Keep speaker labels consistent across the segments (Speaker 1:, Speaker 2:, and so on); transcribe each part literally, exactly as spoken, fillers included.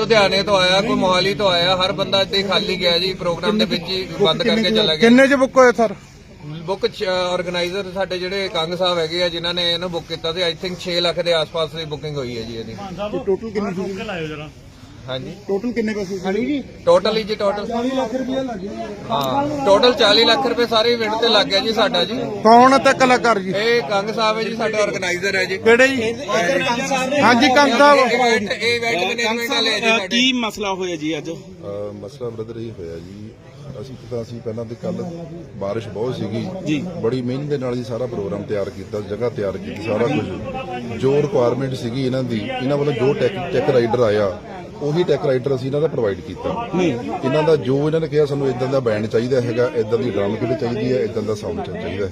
Speaker 1: ਲੁਧਿਆਣੇ ਤੋਂ ਆਇਆ, ਕੋਈ ਮੋਹਾਲੀ ਤੋਂ ਆਇਆ, ਹਰ ਬੰਦਾ ਇੱਥੇ ਖਾਲੀ ਗਿਆ ਜੀ। ਪ੍ਰੋਗਰਾਮ ਦੇ ਵਿੱਚ ਹੀ ਬੰਦ ਕਰਕੇ ਚਲਾ ਗਿਆ।
Speaker 2: ਕਿੰਨੇ ਚ ਬੁੱਕ ਹੋਏ ਸਰ?
Speaker 1: ਬੁੱਕ ਆਰਗੇਨਾਈਜ਼ਰ ਸਾਡੇ ਜਿਹੜੇ ਕੰਗ ਸਾਹਿਬ ਹੈਗੇ ਆ, ਜਿਨ੍ਹਾਂ ਨੇ ਇਹਨੂੰ ਬੁੱਕ ਕੀਤਾ ਸੀ, ਆਈ ਥਿੰਕ ਛੇ ਲੱਖ ਦੇ ਆਸ-ਪਾਸ ਦੀ ਬੁਕਿੰਗ ਹੋਈ ਹੈ ਜੀ ਇਹਦੀ।
Speaker 2: ਟੋਟਲ ਕਿੰਨੇ ਸੀ?
Speaker 1: ਹਾਂਜੀ,
Speaker 2: ਟੋਟਲ ਕਿੰਨੇ ਪੈਸੇ ਸੀ ਜੀ?
Speaker 1: ਟੋਟਲ ਹੀ ਜੀ ਟੋਟਲ
Speaker 2: ਚਾਲੀ ਲੱਖ ਰੁਪਏ ਲੱਗ ਗਿਆ।
Speaker 1: ਹਾਂ, ਟੋਟਲ ਚਾਲੀ ਲੱਖ ਰੁਪਏ ਸਾਰੇ ਇਵੈਂਟ ਤੇ ਲੱਗ ਗਿਆ ਜੀ ਸਾਡਾ ਜੀ।
Speaker 2: ਕੌਣ ਤੇ ਕਲਾਕਾਰ ਜੀ?
Speaker 1: ਇਹ ਕੰਗ ਸਾਹਿਬ ਹੈ ਜੀ, ਸਾਡੇ ਆਰਗੇਨਾਈਜ਼ਰ ਹੈ ਜੀ।
Speaker 2: ਕਿਹੜੇ ਜੀ? ਹਾਂਜੀ ਕੰਗ ਸਾਹਿਬ।
Speaker 1: ਇਵੈਂਟ ਇਹ ਇਵੈਂਟ ਮੈਨੇਜਮੈਂਟ ਵਾਲੇ ਹੈ ਜੀ ਸਾਡੇ।
Speaker 3: ਕੀ ਮਸਲਾ ਹੋਇਆ ਜੀ ਅੱਜ?
Speaker 4: ਮਸਲਾ ਬ੍ਰਦਰ ਇਹ ਹੋਇਆ ਜੀ, ਅਸੀਂ ਤਾਂ ਅਸੀਂ ਪਹਿਲਾਂ ਤੇ ਕੱਲ ਬਾਰਿਸ਼ ਬਹੁਤ ਸੀਗੀ
Speaker 3: ਜੀ,
Speaker 4: ਬੜੀ ਮਿਹਨਤ ਦੇ ਨਾਲ ਹੀ ਸਾਰਾ ਪ੍ਰੋਗਰਾਮ ਤਿਆਰ ਕੀਤਾ, ਜਗ੍ਹਾ ਤਿਆਰ ਕੀਤੀ, ਸਾਰਾ ਕੁਝ ਜੋ ਰਿਕੁਆਇਰਮੈਂਟ ਸੀਗੀ ਇਹਨਾਂ ਦੀ, ਇਹਨਾਂ ਵੱਲੋਂ ਜੋ ਟੈਕ ਟੈਕ ਰਾਈਡਰ ਆਇਆ ਉਹੀ ਟੈਕ ਰਾਈਡਰ ਅਸੀਂ ਇਹਨਾਂ ਦਾ ਪ੍ਰੋਵਾਈਡ ਕੀਤਾ। ਇਹਨਾਂ ਦਾ ਜੋ ਇਹਨਾਂ ਨੇ ਕਿਹਾ ਸਾਨੂੰ ਇਦਾਂ ਦਾ ਬੈਂਡ ਚਾਹੀਦਾ ਹੈਗਾ, ਇਦਾਂ ਦੀ ਡਰਮ ਕਿਟ ਚਾਹੀਦੀ ਹੈ, ਇਦਾਂ ਦਾ ਸਾਊਂਡ ਚਾਹੀਦਾ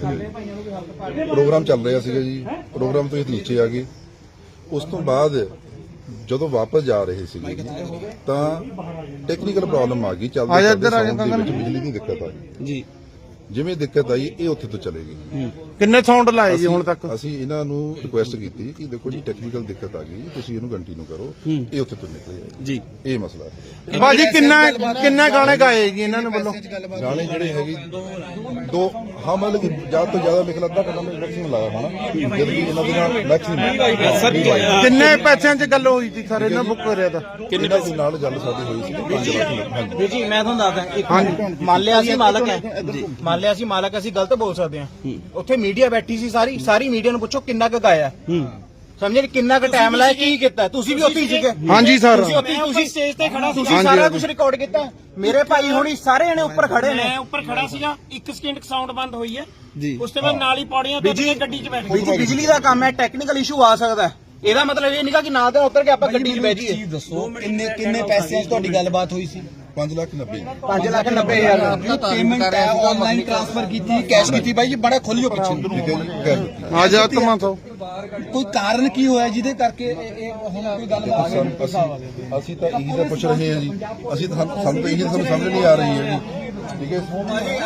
Speaker 4: ਹੈ। ਪ੍ਰੋਗਰਾਮ ਚੱਲ ਰਿਹਾ ਸੀਗਾ ਜੀ, ਪ੍ਰੋਗਰਾਮ ਤੋਂ ਇਹ ਨੀਚੇ ਆ ਗਏ। ਉਸ ਤੋਂ ਬਾਅਦ ਜਦੋਂ ਵਾਪਸ ਜਾ ਰਹੇ ਸੀਗੇ ਜੀ ਤਾਂ ਟੈਕਨੀਕਲ ਪ੍ਰੋਬਲਮ ਆ ਗਈ, ਚੱਲਦੇ ਚੱਲਦੇ ਸਾਊਂਡ ਦੇ ਵਿੱਚ ਬਿਜਲੀ ਦੀ ਦਿੱਕਤ ਆ ਗਈ ਜੀ। ਜਿਵੇਂ ਦਿੱਕਤ ਆਈ ਇਹ ਉੱਥੇ ਤੋਂ ਚਲੇ ਗਈ।
Speaker 2: ਕਿੰਨੇ ਸਾਊਂਡ ਲਾਏ ਜੀ ਹੁਣ ਤੱਕ?
Speaker 4: ਅਸੀਂ ਇਹਨਾਂ ਨੂੰ ਰਿਕੁਐਸਟ ਕੀਤੀ ਕਿ ਦੇਖੋ ਜੀ ਟੈਕਨੀਕਲ ਦਿੱਕਤ ਆ ਗਈ, ਤੁਸੀਂ ਇਹਨੂੰ ਕੰਟੀਨਿਊ ਕਰੋ, ਇਹ ਉੱਥੇ ਤੋਂ ਨਿਕਲੇ ਜੀ। ਇਹ ਮਸਲਾ ਹੈ
Speaker 2: ਬਾਜੀ। ਕਿੰਨਾ ਕਿੰਨੇ ਗਾਣੇ ਗਾਏ ਜੀ ਇਹਨਾਂ ਨੇ ਵੱਲੋਂ?
Speaker 4: ਗਾਣੇ ਜਿਹੜੇ ਹੈਗੇ ਦੋ, ਹਾਂ ਮਤਲਬ ਕਿ ਜ਼ਿਆਦਾ ਤੋਂ ਜ਼ਿਆਦਾ ਲਿਖ ਲੱਦਾ ਕਰਨਾ ਮੈਂ ਮੈਕਸਿਮਮ ਲਾਇਆ ਹੋਣਾ, ਜਦ ਕਿ ਇਹਨਾਂ ਦੇ ਨਾਲ ਮੈਕਸਿਮਮ।
Speaker 2: ਕਿੰਨੇ ਪੈਸਿਆਂ 'ਚ ਗੱਲ ਹੋਈ ਸੀ ਸਰ ਇਹਨਾਂ ਬੁੱਕ ਕਰਿਆ ਤਾਂ?
Speaker 4: ਕਿੰਨੇ ਦੇ ਨਾਲ ਗੱਲ ਸਾਡੀ ਹੋਈ ਸੀ ਪੰਜ ਲੱਖ।
Speaker 5: ਵੀਰ ਜੀ ਮੈਂ ਤੁਹਾਨੂੰ ਦੱਸਦਾ, ਇੱਕ ਮੰਨ ਲਿਆ ਅਸੀਂ ਮਾਲਕ ਹੈ, ਮੰਨ ਲਿਆ ਅਸੀਂ ਮਾਲਕ, ਅਸੀਂ ਗਲਤ ਬੋਲ ਸਕਦੇ ਹਾਂ। ਉੱਥੇ ਮੀਡੀਆ ਬੈਠੀ ਸੀ, ਸਾਰੀ ਸਾਰੀ ਮੀਡੀਆ ਨੂੰ ਪੁੱਛੋ ਕਿੰਨਾ ਕੁ ਗਾਇਆ, ਸਮਝੇ? ਕਿੰਨਾ ਕੁ ਟਾਈਮ ਲਾਇਆ, ਕੀ ਕੀਤਾ? ਤੁਸੀਂ ਵੀ ਉੱਥੇ ਹੀ ਸੀਗੇ।
Speaker 2: ਹਾਂਜੀ ਸਰ,
Speaker 5: ਤੁਸੀਂ ਉੱਥੇ ਤੁਸੀਂ ਸਟੇਜ ਤੇ ਖੜਾ, ਤੁਸੀਂ ਸਾਰਾ ਕੁਝ ਰਿਕਾਰਡ ਕੀਤਾ। ਮੇਰੇ ਭਾਈ ਹੁਣੀ ਸਾਰੇ ਜਣੇ ਉੱਪਰ ਖੜੇ ਨੇ।
Speaker 6: ਮੈਂ ਉੱਪਰ ਖੜਾ ਸੀਗਾ, ਇੱਕ ਸਕਿੰਟ ਸਾਊਂਡ ਬੰਦ ਹੋਈ ਹੈ ਜੀ, ਉਸ ਤੋਂ ਬਾਅਦ ਨਾਲ ਹੀ ਪੌੜੀਆਂ ਤੋਂ ਕੇ ਗੱਡੀ 'ਚ ਬੈਠ ਗਏ।
Speaker 5: ਬਿਜਲੀ ਦਾ ਕੰਮ ਹੈ, ਟੈਕਨੀਕਲ ਇਸ਼ੂ ਆ ਸਕਦਾ ਹੈ। ਇਹਦਾ ਮਤਲਬ ਇਹ ਨਹੀਂਗਾ ਕਿ ਨਾ ਤਾਂ ਉੱਤਰ ਕੇ ਆਪਾਂ ਗੱਡੀ 'ਚ ਬਹਿ ਜਾਈਏ।
Speaker 3: ਦੱਸੋ ਕਿੰਨੇ ਕਿੰਨੇ ਪੈਸਿਆਂ 'ਚ ਤੁਹਾਡੀ ਗੱਲਬਾਤ ਹੋਈ ਸੀ?
Speaker 4: ਪੰਜ ਲੱਖ ਨੱਬੇ
Speaker 5: ਪੰਜ ਲੱਖ ਨੱਬੇ ਹਜ਼ਾਰ
Speaker 3: ਪੇਮੈਂਟ ਹੈ ਆਨਲਾਈਨ ਟ੍ਰਾਂਸਫਰ ਕੀਤੀ, ਕੈਸ਼ ਕੀਤੀ? ਬਾਈ ਜੀ ਬੜਾ ਖੋਲਿਓ ਪਿੱਛੇ।
Speaker 2: ਆ ਜਾ ਤਮਾ ਤੋਂ
Speaker 3: ਕੋਈ ਕਾਰਨ ਕੀ ਹੋਇਆ ਜਿਹਦੇ ਕਰਕੇ ਇਹ ਹੁਣ ਕੋਈ ਗੱਲਬਾਤ?
Speaker 4: ਅਸੀਂ ਤਾਂ ਇਹੀ ਤਾਂ ਪੁੱਛ ਰਹੇ ਹਾਂ ਜੀ, ਅਸੀਂ ਤਾਂ ਸਾਨੂੰ ਤਾਂ ਇਹੀ ਸਾਨੂੰ ਸਮਝ ਨਹੀਂ ਆ ਰਹੀ ਹੈ ਜੀ। ਠੀਕ ਹੈ,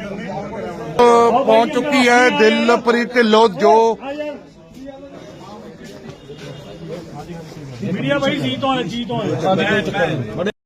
Speaker 2: ਪਹੁੰਚ ਚੁੱਕੀ ਹੈ ਦਿਲਪ੍ਰੀਤ ਢਿੱਲੋਂ ਜੋ
Speaker 6: ਮੀਡੀਆ ਭਾਈ ਜੀ ਤੋਂ ਹੈ, ਜੀ ਤੋਂ ਹੈ।